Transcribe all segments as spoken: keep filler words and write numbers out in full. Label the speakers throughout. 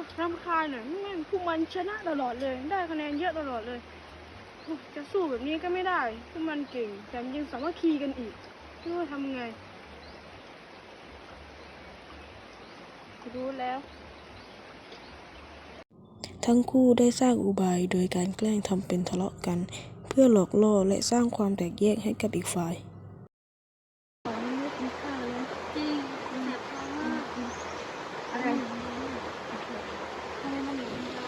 Speaker 1: รำคาญเนี่ยแม่งพวกมันชนะตลอดเลยได้คะแนนเยอะตลอดเลยโอ้จะสู้แบบนี้ก็ไม่ได้พวกมันเก่งแถมยังสามัคคีกันอีกไม่รู้ว่าทำไงรู้แล้ว
Speaker 2: ทั้งคู่ได้สร้างอุบายโดยการแกล้งทำเป็นทะเลาะกันเพื่อหลอกล่อและสร้างความแตกแยกให้กับอีกฝ่าย
Speaker 1: ของไม่กินข้าวเลย
Speaker 3: จริงแสบท้องมาก
Speaker 1: อะไร
Speaker 3: ทำไมมันอยู่เยอะ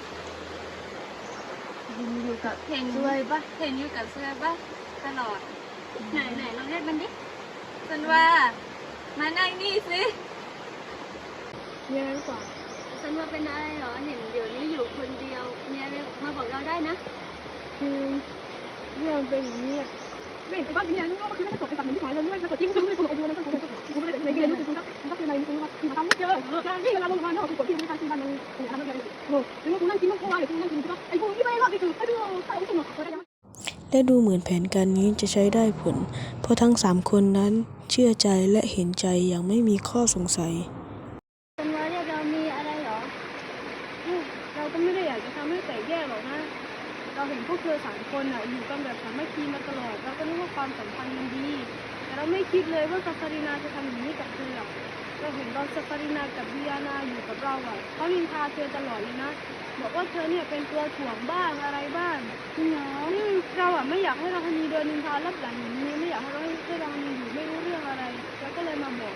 Speaker 1: อยู่กับ
Speaker 3: เห็น
Speaker 1: ซวยปะ
Speaker 3: เห็นอยู่กับเสื้อปะตลอดไหนไหนลองเรียกมันดิสันว่ามานั่งนี่สิ
Speaker 1: มีอะไรหรือเปล่า
Speaker 3: สันว่าเป็นอะไรเหรอเห็นเดี๋ยวนี้อยู่คนเดียวมีอะไรมาบอกเราได้นะ
Speaker 1: คือเรื่องเป็นอย่างนี้อะไม่เห็นว่าที่นี่ก็คือไม่ได้จบไปกับหนึ่งที่หมายเลยไม่ได้จบที่คือไม่ได้จบไปด้วยนะก็คือคือไม่ได้ในเกมคือคือคือคือในคือว่าคือทำไม่เจอการที่เวลาลงมาเนาะคือกดที่ไม่การที่มันมันทำอะไรโอ้หรือว่าคุณนั่งกินต้องคอยหรือคุณนั่งกินก็ไอ้พวกที่ไม่รอดนี่คือไอ้พวกใส่อุ้งหนวกก็ได้ยัง
Speaker 2: และดูเหมือนแผนการนี้จะใช้ได้ผลเพราะทั้งสามคนนั้นเชื่อใจและเห็นใจอย่างไม่มีข้อสงสัย
Speaker 3: สันว่าเรียกเรามีอะไรเหรอ
Speaker 1: เราก็ไม่ได้อยากจะทำให้แตกแยกหรอกนะเราเห็นพวกเธอสามคนอ่ะอยู่กันแบบสามัคคีมาตลอดเราก็นึกว่าความสัมพันธ์มันดีแต่เราไม่คิดเลยว่าซาฟารีนาจะทำอย่างนี้กับเธอเราเห็นตอนซาฟารีนากับดิอานาอยู่กับเราอ่ะเขานินทาเธอตลอดเลยนะบอกว่าเธอเนี่ยเป็นตัวถ่วงบ้างอะไรบ้างจริงเหรอเราอ่ะไม่อยากให้เราคนนี้โดนนินทารับหลังอย่างนี้ไม่อยากให้เราให้เราคนนี้อยู่ไม่รู้เรื่องอะไรเราก็เลยมาบอก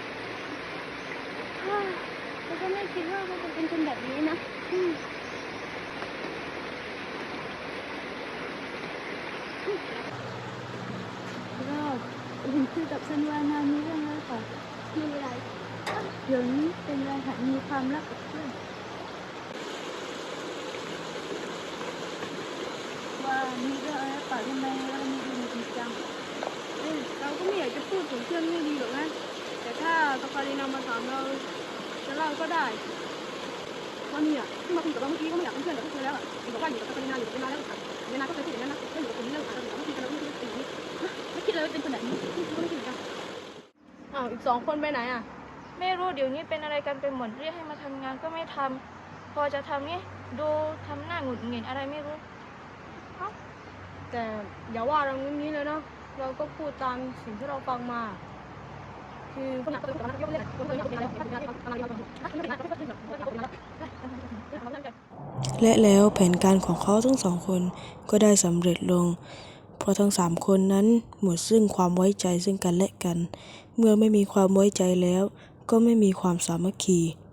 Speaker 3: เราก็ไม่คิดว่ามันจะเป็นคนแบบนี้นะ
Speaker 1: ก็เห็นคุยกับซันวานามีเรื่องอะไรก่อน
Speaker 3: มีอะไร
Speaker 1: เดี๋ยวนี้เป็นไรค่ะมีความรักกับเพื่อนว่ามีเรื่องอะไรป่ะทำไมเรามีดูจริงจังเอ้ยเราก็ไม่อยากจะพูดถึงเพื่อนไม่ดีหรอกนะแต่ถ้าตาฟารีนามาถามเราจะเล่าก็ได้ว่าเนี่ยที่มาคุยกับเราเมื่อกี้ก็ไม่อยากเป็นเพื่อนกับพวกเธอแล้วอ่ะเห็นบอกว่าอยู่กับตาฟารีนาอยู่กับเวนาแล้วค่ะเวนาก็เคยพูดอย่างนั้นนะก็อยู่กับคนนี้แล้วค่ะเราอยู่กับเมื่อกี้กันเราไม่คิดว่าเป็นอย่างนี้ไม่คิดเลยว่าเป็นคนแบบนี้ก็ไม่คิดเหมือนกันอ้าวอีกสองคนไปไหนอ่ะ
Speaker 4: ไม่รู้เดี๋ยวนี้เป็นอะไรกันไปหมดเรียกให้มาทำงานก็ไม่ทำพอจะทำนี่ดูทำหน้าหงุดหงิดอะไรไม่รู้
Speaker 1: แต่อย่าว่าเรางี้นี้เลยเนาะเราก็พูดตามสิ่งที่เราฟังมาคือคนหนักตัวคนหนักยกเล่นคนหนักเป็นอะไรคนหนักเป็นอะไร
Speaker 2: และแล้วแผนการของเขาทั้งสองคนก็ได้สำเร็จลงเพราะทั้งสามคนนั้นหมดซึ่งความไว้ใจซึ่งกันและกันเมื่อไม่มีความไว้ใจแล้วก็ไม่มีความสามัคคี